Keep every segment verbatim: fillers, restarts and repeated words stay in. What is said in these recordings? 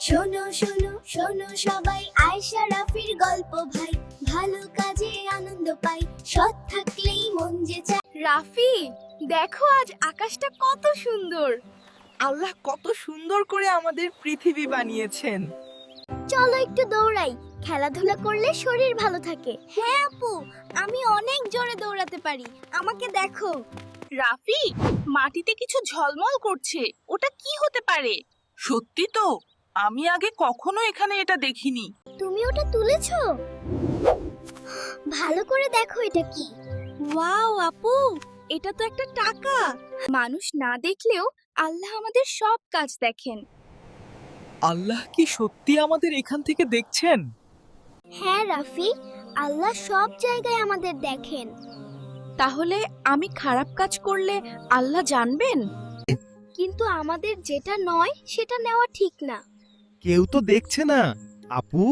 শোনো শোনো শোনো সবাই, আয়েশা রাফির গল্প ভাই। ভালো কাজে আনন্দ পাই, সৎ থাকলেই মন যে চায়। রাফি, দেখো আজ আকাশটা কত সুন্দর। আল্লাহ কত সুন্দর করে আমাদের পৃথিবী বানিয়েছেন। চলো একটু দৌড়াই, খেলাধুলা করলে শরীর ভালো থাকে। হ্যাঁ আপু, আমি অনেক জোরে দৌড়াতে পারি, আমাকে দেখো। রাফি, মাটিতে কিছু ঝলমল করছে, ওটা কি হতে পারে? সত্যি তো, আমি আগে কখনো এখানে এটা দেখিনি। তুমি ওটা তুলেছো? ভালো করে দেখো এটা কি। ওয়াও আপু, এটা তো একটা টাকা। মানুষ না দেখলেও আল্লাহ আমাদের সব কাজ দেখেন। আল্লাহ কি সত্যি আমাদের এখান থেকে দেখছেন? হ্যাঁ রাফি, আল্লাহ সব জায়গায় আমাদের দেখেন। তাহলে আমি খারাপ কাজ করলে আল্লাহ জানবেন? কিন্তু আমাদের যেটা নয় সেটা নেওয়া ঠিক না। কেউ তো দেখছে না আপু।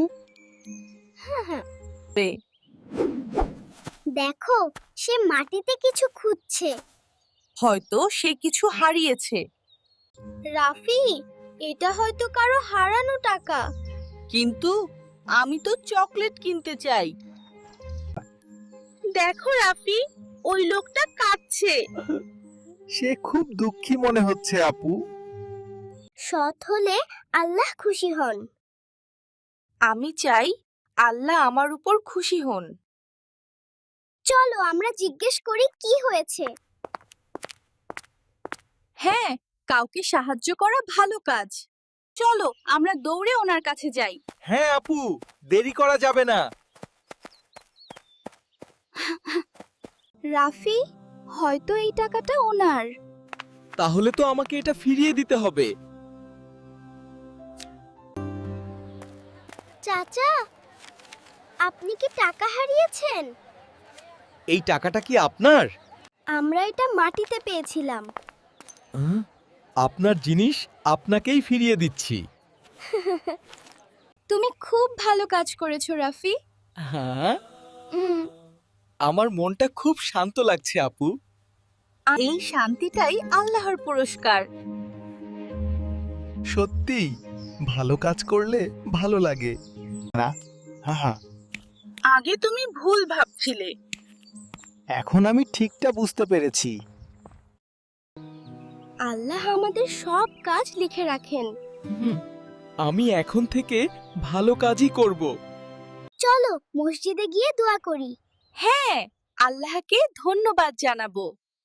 দেখো, সে মাটিতে কিছু খুঁজছে। হয়তো সে কিছু হারিয়েছে। রাফি, এটা হয়তো কারো হারানো টাকা। কিন্তু আমি তো চকলেট কিনতে চাই। দেখো রাফি, ওই লোকটা কাঁদছে। সে খুব দুঃখী মনে হচ্ছে আপু। সৎ হলে আল্লাহ খুশি হন। আমি চাই আল্লাহ আমার উপর খুশি হন। চলো আমরা জিজ্ঞেস করি কি হয়েছে। হ্যাঁ, কাউকে সাহায্য করা ভালো কাজ। চলো আমরা দৌড়ে ওনার কাছে যাই। হ্যাঁ আপু, দেরি করা যাবে না। রাফি, হয়তো এই টাকাটা ওনার। তাহলে তো আমাকে এটা ফিরিয়ে দিতে হবে। চাচা, আপনি কি টাকা হারিয়েছেন? এই টাকাটা কি আপনার? আমরা এটা মাটিতে পেয়েছিলাম। আহ, আপনার জিনিস আপনাকেই ফিরিয়ে দিচ্ছি। তুমি খুব ভালো কাজ করেছো রাফি। হ্যাঁ, আমার মনটা খুব শান্ত লাগছে আপু। এই শান্তিটাই আল্লাহর পুরস্কার। সত্যি ভালো কাজ করলে ভালো লাগে না? হ্যাঁ, আগে তুমি ভুল ভাবছিলে। এখন আমি ঠিকটা বুঝতে পেরেছি। আল্লাহ আমাদের সব কাজ লিখে রাখেন। আমি এখন থেকে ভালো কাজই করব। চলো মসজিদে গিয়ে দোয়া করি। হ্যাঁ, আল্লাহকে ধন্যবাদ জানাবো।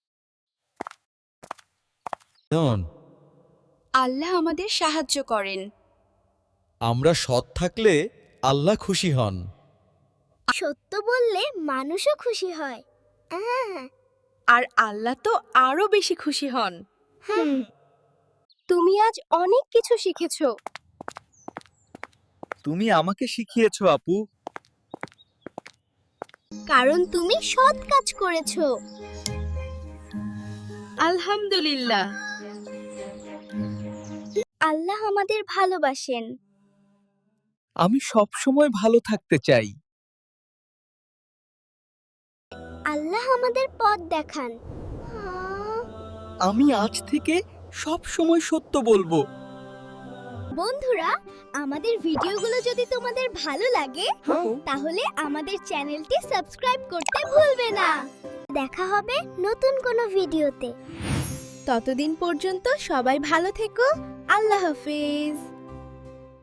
আল্লাহ আমাদের সাহায্য করেন। আমরা সৎ থাকলে আল্লাহ খুশি হন। সত্য বললে মানুষও খুশি হয়। আহ, আর আল্লাহ তো আরো বেশি খুশি হন। হুম। তুমি আজ অনেক কিছু শিখেছো। তুমি আমাকে শিখিয়েছো আপু। কারণ তুমি সৎ কাজ করেছো। আলহামদুলিল্লাহ। আল্লাহ আমাদের ভালোবাসেন। আমি সব সময় ভালো থাকতে চাই। আল্লাহ আমাদের পথ দেখান। আমি আজ থেকে সব সময় সত্য বলবো। বন্ধুরা, আমাদের ভিডিওগুলো যদি তোমাদের ভালো লাগে তাহলে আমাদের চ্যানেলটি সাবস্ক্রাইব করতে ভুলবে না। দেখা হবে নতুন কোনো ভিডিওতে। ততদিন পর্যন্ত সবাই ভালো থেকো। আল্লাহ হাফেজ।